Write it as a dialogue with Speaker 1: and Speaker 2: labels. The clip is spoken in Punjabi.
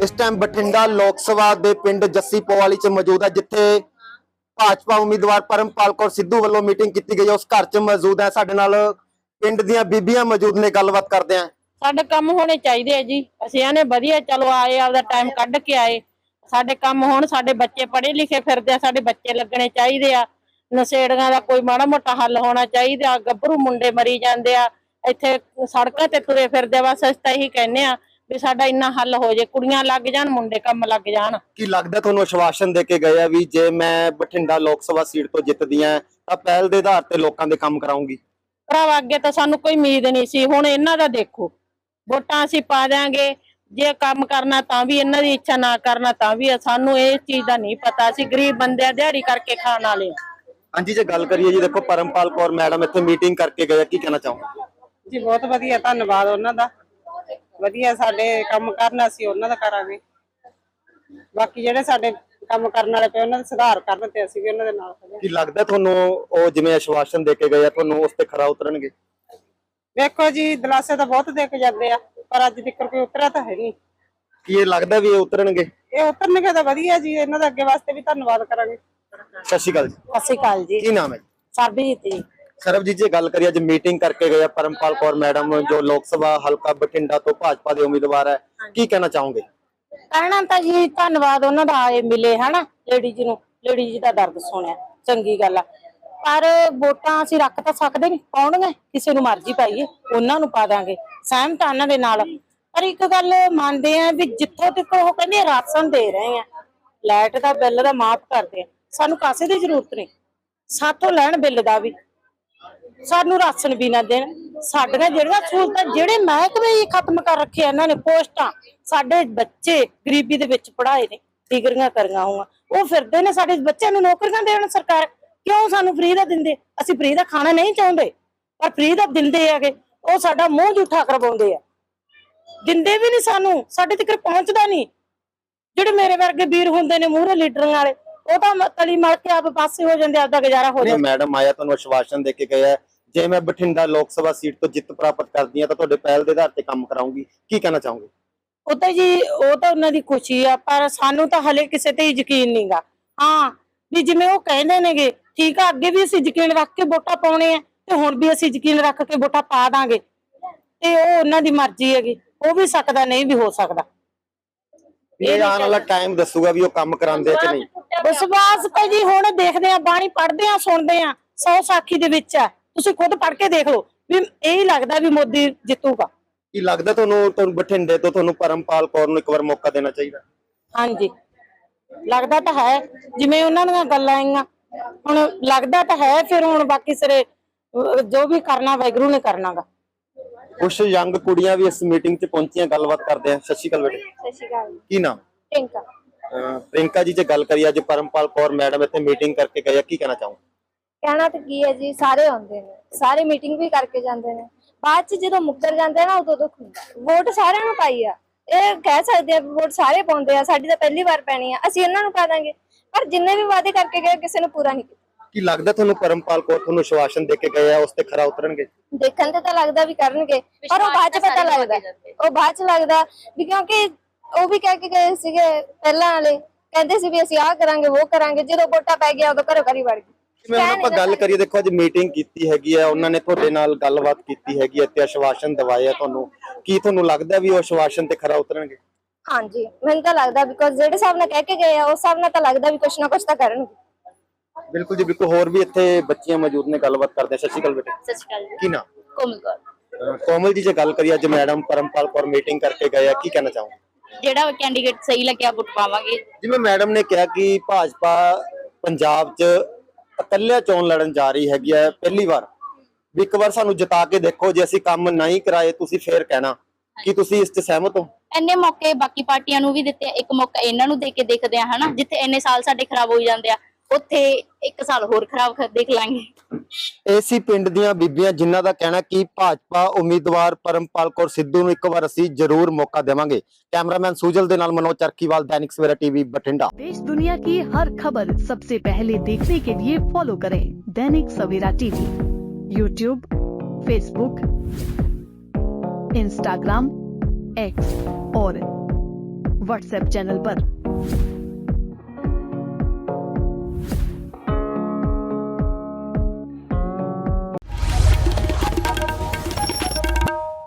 Speaker 1: इस टाइम बठिंडा लोक सभा के पिंड जस्सी पोवाली च मौजूद है, जिथे भाजपा उम्मीदवार परमपाल कौर सिद्धू वालों मीटिंग की गई है। उस घर च मौजूद है, साडे नाल पिंड दीयां बीबियां मौजूद ने, गलबात करते हैं।
Speaker 2: ਸਾਡੇ ਕੰਮ ਹੋਣੇ ਚਾਹੀਦੇ ਆ ਜੀ। ਅਸੀਂ ਆਨੇ ਵਧੀਆ ਚਲੋ ਆਏ, ਆਪਦਾ ਟਾਈਮ ਕੱਢ ਕੇ ਆਏ। ਸਾਡੇ ਕੰਮ ਹੋਣ, ਸਾਡੇ ਬੱਚੇ ਪੜ੍ਹੇ ਲਿਖੇ ਫਿਰਦੇ ਆ, ਸਾਡੇ ਬੱਚੇ ਲੱਗਣੇ ਚਾਹੀਦੇ ਆ। ਨਸ਼ੇੜੀਆਂ ਦਾ ਕੋਈ ਮਾੜਾ ਮੋਟਾ ਹੱਲ ਹੋਣਾ ਚਾਹੀਦਾ। ਗੱਭਰੂ ਮੁੰਡੇ ਮਰੀ ਜਾਂਦੇ ਆ ਇੱਥੇ ਸੜਕਾਂ ਤੇ ਤੁਰੇ ਫਿਰਦੇ। ਬਸ ਅਸੀਂ ਤਾਂ ਇਹੀ ਕਹਿੰਦੇ ਆ ਵੀ ਸਾਡਾ ਇੰਨਾ ਹੱਲ ਹੋ ਜੇ, ਕੁੜੀਆਂ ਲੱਗ ਜਾਣ, ਮੁੰਡੇ ਕੰਮ ਲੱਗ ਜਾਣ।
Speaker 1: ਕੀ ਲੱਗਦਾ ਤੁਹਾਨੂੰ ਆਸ਼ਵਾਸਨ ਦੇ ਕੇ ਗਏ ਆ ਵੀ ਜੇ ਮੈਂ ਬਠਿੰਡਾ ਲੋਕ ਸਭਾ ਸੀਟ ਤੋਂ ਜਿੱਤਦੀ ਆ ਤਾਂ ਪਹਿਲ ਦੇ ਆਧਾਰ ਤੇ ਲੋਕਾਂ ਦੇ ਕੰਮ ਕਰਾਉਂਗੀ?
Speaker 2: ਭਰਾਵਾ ਅੱਗੇ ਤਾਂ ਸਾਨੂੰ ਕੋਈ ਉਮੀਦ ਨਹੀਂ ਸੀ, ਹੁਣ ਇਹਨਾਂ ਦਾ ਦੇਖੋ, ਵੋਟਾਂ ਅਸੀਂ ਪਾ ਦਿਆਂਗੇ। ਜੇ ਕੰਮ ਕਰਨਾ ਤਾਂ ਵੀ ਇਹਨਾਂ ਦੀ ਇੱਛਾ, ਨਾ ਕਰਨਾ ਤਾਂ ਵੀ। ਸਾਨੂੰ ਇਹ ਚੀਜ਼ ਦਾ ਨਹੀਂ ਪਤਾ, ਅਸੀਂ ਗਰੀਬ ਬੰਦੇ ਆ, ਦਿਹਾੜੀ ਕਰਕੇ ਖਾਣ ਵਾਲੇ।
Speaker 1: ਹਾਂਜੀ, ਜੇ ਗੱਲ ਕਰੀਏ ਜੀ, ਦੇਖੋ परमपाल कौर मैडम ਇੱਥੇ ਮੀਟਿੰਗ ਕਰਕੇ ਗਏ, ਕੀ ਕਹਿਣਾ ਚਾਹੋਗੇ?
Speaker 3: ਜੀ ਬਹੁਤ ਵਧੀਆ, ਧੰਨਵਾਦ ਉਹਨਾਂ ਦਾ। ਵਧੀਆ ਸਾਡੇ ਕੰਮ ਕਰਨਾ ਸੀ, ਉਹਨਾਂ ਦਾ ਕਰਾਂਗੇ। ਬਾਕੀ ਜਿਹੜੇ ਸਾਡੇ ਕੰਮ ਕਰਨ ਵਾਲੇ ਪਏ ਉਹਨਾਂ ਦਾ ਸੁਧਾਰ ਕਰਨ ਤੇ ਅਸੀਂ ਵੀ ਉਹਨਾਂ ਦੇ ਨਾਲ ਖੜੇ।
Speaker 1: ਕੀ ਲੱਗਦਾ ਤੁਹਾਨੂੰ ਉਹ ਜਿਵੇਂ ਆਸ਼ਵਾਸਨ ਦੇ ਕੇ ਗਏ ਆ, ਤੁਹਾਨੂੰ ਉਸ ਤੇ ਖਰਾ ਉਤਰਨਗੇ?
Speaker 3: ਵੇਖੋ ਜੀ, ਦਿਲਾਸੇ ਤਾਂ ਬਹੁਤ ਦੇ ਕੇ ਜਾਂਦੇ ਆ, ਪਰ ਅੱਜ ਤੱਕ ਕੋਈ ਉਤਰਿਆ ਤਾਂ ਹੈ ਨਹੀਂ।
Speaker 1: ਕੀ ਇਹ ਲੱਗਦਾ ਵੀ ਇਹ ਉਤਰਨਗੇ?
Speaker 3: ਇਹ ਉਤਰਨਗੇ ਤਾਂ ਵਧੀਆ ਜੀ, ਇਹਨਾਂ ਦਾ ਅੱਗੇ ਵਾਸਤੇ ਵੀ ਧੰਨਵਾਦ ਕਰਾਂਗੇ।
Speaker 1: ਸਤਿ ਸ਼੍ਰੀ ਅਕਾਲ ਜੀ।
Speaker 2: ਸਤਿ ਸ਼੍ਰੀ ਅਕਾਲ ਜੀ।
Speaker 1: ਕੀ ਨਾਮ ਹੈ?
Speaker 2: ਸਰਬਜੀਤ ਜੀ।
Speaker 1: ਸਰਬਜੀਤ ਜੀ, ਗੱਲ ਕਰੀਏ ਅੱਜ ਮੀਟਿੰਗ ਕਰਕੇ ਗਏ ਆ परमपाल कौर मैडम, जो लोक सभा हल्का बठिंडा तो भाजपा ਦੇ ਉਮੀਦਵਾਰ ਹੈ, ਕੀ ਕਹਿਣਾ ਚਾਹੋਗੇ?
Speaker 2: ਕਹਿਣਾ ਤਾਂ ਜੀ ਧੰਨਵਾਦ ਉਹਨਾਂ ਦਾ, ਆਏ ਮਿਲੇ ਹਨਾ ਲੇਡੀਜ਼ ਨੂੰ, ਲੇਡੀਜ਼ ਦਾ ਦਰਦ ਸੁਣਿਆ, ਚੰਗੀ ਗੱਲ ਆ। ਪਰ ਵੋਟਾਂ ਅਸੀਂ ਰੱਖ ਤਾਂ ਸਕਦੇ ਨਹੀਂ, ਪਾਉਣਗੇ ਕਿਸੇ ਨੂੰ ਮਰਜ਼ੀ ਪਾਈਏ, ਉਹਨਾਂ ਨੂੰ ਪਾ ਦਾਂਗੇ, ਸਹਿਮਤ ਆ ਉਹਨਾਂ ਦੇ ਨਾਲ। ਪਰ ਇੱਕ ਗੱਲ ਮੰਨਦੇ ਆ ਵੀ ਜਿੱਥੋਂ ਤੱਕ ਉਹ ਕਹਿੰਦੇ ਰਾਸ਼ਨ ਦੇ ਰਹੇ ਆ, ਲਾਈਟ ਦਾ ਬਿੱਲ ਦਾ ਮਾਫ ਕਰਦੇ ਆ, ਸਾਨੂੰ ਕਾਸੇ ਦੀ ਜ਼ਰੂਰਤ ਨਹੀਂ। ਸਾਥੋਂ ਲੈਣ ਬਿੱਲ ਦਾ ਵੀ, ਸਾਨੂੰ ਰਾਸ਼ਨ ਵੀ ਨਾ ਦੇਣ। ਸਾਡੀਆਂ ਜਿਹੜੀਆਂ ਸਹੂਲਤਾਂ, ਜਿਹੜੇ ਮਹਿਕਮੇ ਹੀ ਖਤਮ ਕਰ ਰੱਖੇ ਇਹਨਾਂ ਨੇ, ਪੋਸਟਾਂ, ਸਾਡੇ ਬੱਚੇ ਗਰੀਬੀ ਦੇ ਵਿੱਚ ਪੜ੍ਹਾਏ ਨੇ, ਡਿਗਰੀਆਂ ਕਰੀਆਂ ਹੋਈਆਂ, ਉਹ ਫਿਰਦੇ ਨੇ ਸਾਡੇ ਬੱਚਿਆਂ ਨੂੰ ਨੌਕਰੀਆਂ ਦੇਣ। ਸਰਕਾਰ ਕਿਉਂ ਸਾਨੂੰ ਫ੍ਰੀ ਦਾ ਦਿੰਦੇ? ਅਸੀਂ ਫ੍ਰੀ ਦਾ ਖਾਣਾ ਨਹੀਂ ਚਾਹੁੰਦੇ, ਪਰ ਫ੍ਰੀ ਦਾ ਦਿੰਦੇ ਹੈਗੇ। ਉਹ ਸਾਡਾ ਮੂੰਹ ਝੂਠਾ ਕਰਵਾਉਂਦੇ ਆ, ਦਿੰਦੇ ਵੀ ਨਹੀਂ ਸਾਨੂੰ, ਸਾਡੇ ਤੱਕ ਪਹੁੰਚਦਾ ਨਹੀਂ। ਜਿਹੜੇ ਮੇਰੇ ਵਰਗੇ ਵੀਰ ਹੁੰਦੇ ਨੇ ਮੂਹਰੇ ਲੀਡਰਾਂ ਵਾਲੇ, ਉਹ ਤਾਂ ਤਲੀ ਮਲ ਕੇ ਆਪ ਪਾਸੇ ਹੋ ਜਾਂਦੇ, ਆਪਦਾ ਗੁਜ਼ਾਰਾ ਹੋ ਜਾਂਦਾ।
Speaker 1: ਮੈਡਮ ਆਇਆ ਤੁਹਾਨੂੰ ਆਸ਼ਵਾਸਨ ਦੇ ਕੇ ਗਏ ਆ, ਜੇ ਮੈਂ ਬਠਿੰਡਾ ਲੋਕ ਸਭਾ ਸੀਟ ਤੋਂ ਜਿੱਤ ਪ੍ਰਾਪਤ ਕਰਦੀ ਆ ਤਾਂ ਤੁਹਾਡੇ ਪਹਿਲ ਦੇ ਆਧਾਰ ਤੇ ਕੰਮ ਕਰਾਉਂਗੀ, ਕੀ ਕਹਿਣਾ ਚਾਹੋਗੇ?
Speaker 2: ਉਹ ਤਾਂ ਜੀ, ਉਹ ਤਾਂ ਉਹਨਾਂ ਦੀ ਖੁਸ਼ੀ ਆ, ਪਰ ਸਾਨੂੰ ਤਾਂ ਹਲੇ ਕਿਸੇ ਤੇ ਯਕੀਨ ਨਹੀਂਗਾ। ਹਾਂ ਵੀ ਜਿਵੇਂ ਉਹ ਕਹਿੰਦੇ ਨੇਗੇ, ਠੀਕ ਆ, ਅੱਗੇ ਵੀ ਅਸੀਂ ਯਕੀਨ ਰੱਖ ਕੇ ਵੋਟਾਂ ਪਾਉਣੇ ਆ, ਤੇ ਹੁਣ ਵੀ ਅਸੀਂ ਯਕੀਨ ਰੱਖ ਕੇ ਵੋਟਾਂ ਪਾ ਦਾਂਗੇ। ਤੇ ਉਹ ਉਹਨਾਂ ਦੀ ਮਰਜ਼ੀ ਹੈਗੀ, ਹੋ ਵੀ ਸਕਦਾ, ਨਹੀਂ ਵੀ ਹੋ ਸਕਦਾ।
Speaker 1: ਇਹ ਆਉਣ ਵਾਲਾ ਟਾਈਮ ਦੱਸੂਗਾ ਵੀ ਉਹ ਕੰਮ ਕਰਾਉਂਦੇ ਕਿ ਨਹੀਂ।
Speaker 2: ਵਿਸ਼ਵਾਸ ਤਾਂ ਜੀ ਹੁਣ ਦੇਖਦੇ ਆ, ਬਾਣੀ ਪੜ੍ਹਦੇ ਆ, ਸੁਣਦੇ ਆ, 100 ਸਾਖੀ ਦੇ ਵਿੱਚ ਆ, ਤੁਸੀਂ ਖੁਦ ਪੜ੍ਹ ਕੇ ਦੇਖ ਲਓ ਵੀ ਇਹ ਲੱਗਦਾ ਵੀ ਮੋਦੀ ਜਿੱਤੂਗਾ।
Speaker 1: ਕੀ ਲੱਗਦਾ ਤੁਹਾਨੂੰ ਬਠਿੰਡੇ ਤੋਂ ਤੁਹਾਨੂੰ परमपाल कौर ਨੂੰ ਇੱਕ ਵਾਰ ਮੌਕਾ ਦੇਣਾ ਚਾਹੀਦਾ?
Speaker 2: ਹਾਂਜੀ, ਲੱਗਦਾ ਤਾਂ ਹੈ, ਜਿਵੇਂ ਉਹਨਾਂ ਦੀਆਂ ਗੱਲਾਂ ਆਈਆਂ, ਹੁਣ ਲੱਗਦਾ ਤਾਂ ਹੈ। ਫਿਰ ਹੁਣ ਬਾਕੀ ਸਿਰੇ ਜੋ ਵੀ ਕਰਨਾ ਵਾਹਿਗੁਰੂ ਨੇ ਕਰਨਾਗਾ।
Speaker 1: ਕੁਝ ਯੰਗ ਕੁੜੀਆਂ ਵੀ ਇਸ ਮੀਟਿੰਗ 'ਚ ਪਹੁੰਚੀਆਂ, ਗੱਲਬਾਤ ਕਰਦੇ ਆ। ਸਤਿ ਸ਼੍ਰੀ ਅਕਾਲ ਬੇਟੇ।
Speaker 2: ਸਤਿ ਸ਼੍ਰੀ ਅਕਾਲ।
Speaker 1: ਕੀ ਨਾਮ?
Speaker 2: ਟਿੰਕਾ।
Speaker 1: ਪ੍ਰਿੰਕਾ ਜੀ, ਜੇ ਗੱਲ ਕਰੀਏ ਅੱਜ परमपाल कौर ਮੈਡਮ ਇੱਥੇ ਮੀਟਿੰਗ ਕਰਕੇ ਗਏ ਆ, ਕੀ ਕਹਿਣਾ ਚਾਹੋਗੇ?
Speaker 4: ਕਹਿਣਾ ਤਾਂ ਕੀ ਹੈ ਜੀ, ਸਾਰੇ ਆਉਂਦੇ ਨੇ, ਸਾਰੇ ਮੀਟਿੰਗ ਵੀ ਕਰਕੇ ਜਾਂਦੇ ਨੇ, ਬਾਅਦ ਚ ਜਦੋਂ ਮੁੱਕਰ ਜਾਂਦੇ ਨਾ ਉਦੋਂ ਦੁੱਖ ਹੁੰਦਾ। ਵੋਟ ਸਾਰਿਆਂ ਨੂੰ ਪਾਈ ਆ, ਇਹ ਕਹਿ ਸਕਦੇ ਆ ਵੋਟ ਸਾਰੇ ਪਾਉਂਦੇ ਆ, ਸਾਡੀ ਤਾਂ ਪਹਿਲੀ ਵਾਰ ਪੈਣੀ ਆ, ਅਸੀਂ ਇਹਨਾਂ ਨੂੰ ਪਾ ਦਾਂਗੇ। ਪਰ ਜਿੰਨੇ ਵੀ ਵਾਅਦੇ ਕਰਕੇ ਗਏ, ਕਿਸੇ ਨੇ ਪੂਰਾ ਨਹੀਂ ਕੀਤਾ।
Speaker 1: ਕੀ ਲੱਗਦਾ ਤੁਹਾਨੂੰ परमपाल कौर ਤੁਹਾਨੂੰ ਆਸ਼ਵਾਸਨ ਦੇ ਕੇ ਗਏ ਆ, ਉਸ ਤੇ ਖਰਾ ਉਤਰਨਗੇ?
Speaker 4: ਦੇਖਣ ਤੇ ਤਾਂ ਲੱਗਦਾ ਵੀ ਕਰਨਗੇ, ਪਰ ਉਹ ਬਾਅਦ ਚ ਪਤਾ ਲੱਗਦਾ, ਉਹ ਬਾਅਦ ਚ ਲੱਗਦਾ ਵੀ, ਕਿਉਂਕਿ ਉਹ ਵੀ ਕਹਿ ਕੇ ਗਏ ਸੀਗੇ ਪਹਿਲਾਂ ਵਾਲੇ, ਕਹਿੰਦੇ ਸੀ ਵੀ ਅਸੀਂ ਆਹ ਕਰਾਂਗੇ, ਉਹ ਕਰਾਂਗੇ, ਜਦੋਂ ਵੋਟਾਂ ਪੈ ਗਿਆ ਉਦੋਂ ਘਰੋਂ ਘਰੀ ਵੜ ਗਏ।
Speaker 1: ਜਿਵੇਂ ਹੁਣ ਆਪਾਂ ਗੱਲ ਕਰੀਏ, ਦੇਖੋ ਅੱਜ ਮੀਟਿੰਗ ਕੀਤੀ ਹੈਗੀ ਆ, ਉਹਨਾਂ ਨੇ ਤੁਹਾਡੇ ਨਾਲ ਗੱਲਬਾਤ ਕੀਤੀ ਹੈਗੀ ਤੇ ਆਸ਼ਵਾਸਨ ਦਵਾਏ ਆ ਤੁਹਾਨੂੰ, ਕੀ ਤੁਹਾਨੂੰ ਲੱਗਦਾ ਵੀ ਉਹ ਆਸ਼ਵਾਸਨ ਤੇ ਖਰਾ ਉਤਰਨਗੇ?
Speaker 4: ਹਾਂਜੀ, ਮੈਨੂੰ ਤਾਂ ਲੱਗਦਾ, ਬਿਕੋਜ਼ ਜਿਹੜੇ ਹਿਸਾਬ ਨਾਲ ਕਹਿ ਕੇ ਗਏ ਆ ਉਸ ਹਿਸਾਬ ਨਾਲ ਤਾਂ ਲੱਗਦਾ ਵੀ ਕੁਛ ਨਾ ਕੁਛ ਤਾਂ ਕਰਨਗੇ।
Speaker 1: ਬਿਲਕੁਲ ਜੀ, ਬਿਲਕੁਲ। ਹੋਰ ਵੀ ਇੱਥੇ ਬੱਚੀਆਂ ਮੌਜੂਦ ਨੇ, ਗੱਲਬਾਤ ਕਰਦੇ ਆ। ਸਤਿ ਸ਼੍ਰੀ ਅਕਾਲ ਬੇਟੇ।
Speaker 4: ਸਤਿ ਸ਼੍ਰੀ ਅਕਾਲ ਜੀ।
Speaker 1: ਕੀ ਨਾਮ?
Speaker 4: ਕੋਮਲ ਕੌਰ।
Speaker 1: ਕੋਮਲ ਜੀ, ਜੇ ਗੱਲ ਕਰੀਏ ਅੱਜ ਮੈਡਮ परमपाल कौर ਮੀਟਿੰਗ ਕਰਕੇ ਗਏ ਆ, ਕੀ ਕਹਿਣਾ ਚਾਹੋਗੇ?
Speaker 4: ਜਿਹੜਾ ਕੈਂਡੀਡੇਟ ਸਹੀ ਲੱਗਿਆ ਵੋਟ ਪਾਵਾਂਗੇ।
Speaker 1: ਜਿਵੇਂ ਮੈਡਮ ਨੇ ਕਿਹਾ ਕਿ ਭਾਜਪਾ ਪੰਜਾਬ 'ਚ ਇਕੱਲਿਆਂ ਚੋਣ ਲੜਨ ਜਾ ਰਹੀ ਹੈਗੀ ਹੈ ਪਹਿਲੀ ਵਾਰ, ਵੀ ਇੱਕ ਵਾਰ ਸਾਨੂੰ ਜਿਤਾ ਕੇ ਦੇਖੋ, ਜੇ ਅਸੀਂ ਕੰਮ ਨਹੀਂ ਕਰਾਏ ਤੁਸੀਂ ਫੇਰ ਕਹਿਣਾ, ਕੀ ਤੁਸੀਂ ਇਸ 'ਚ ਸਹਿਮਤ ਹੋ?
Speaker 5: ਇੰਨੇ ਮੌਕੇ ਬਾਕੀ ਪਾਰਟੀਆਂ ਨੂੰ ਵੀ ਦਿੱਤੇ, ਇੱਕ ਮੌਕਾ ਇਹਨਾਂ ਨੂੰ ਦੇ ਕੇ ਦੇਖਦੇ ਆ ਹਨਾ। ਜਿੱਥੇ ਇੰਨੇ ਸਾਲ ਸਾਡੇ ਖਰਾਬ ਹੋਈ ਜਾਂਦੇ ਆ, ਉੱਥੇ ਇੱਕ ਸਾਲ ਹੋਰ ਖਰਾਬ ਦੇਖ ਲਾਂਗੇ।
Speaker 1: ਇਹ ਸੀ ਪਿੰਡ ਦੀਆਂ ਬੀਬੀਆਂ, ਜਿਨ੍ਹਾਂ ਦਾ ਕਹਿਣਾ ਕਿ ਭਾਜਪਾ ਉਮੀਦਵਾਰ परमपाल कौर सिद्धू ਨੂੰ ਇੱਕ ਵਾਰ ਅਸੀਂ ਜ਼ਰੂਰ ਮੌਕਾ ਦੇਵਾਂਗੇ। कैमरामैन सुजल दे नाल मनोज चरखीवाल, दैनिक सवेरा टीवी, बठिंडा।
Speaker 6: देश दुनिया की हर खबर सबसे पहले देखने के लिए फॉलो करें Dainik Savera TV, YouTube, Facebook, Instagram, X और व्हाट्सएप चैनल पर।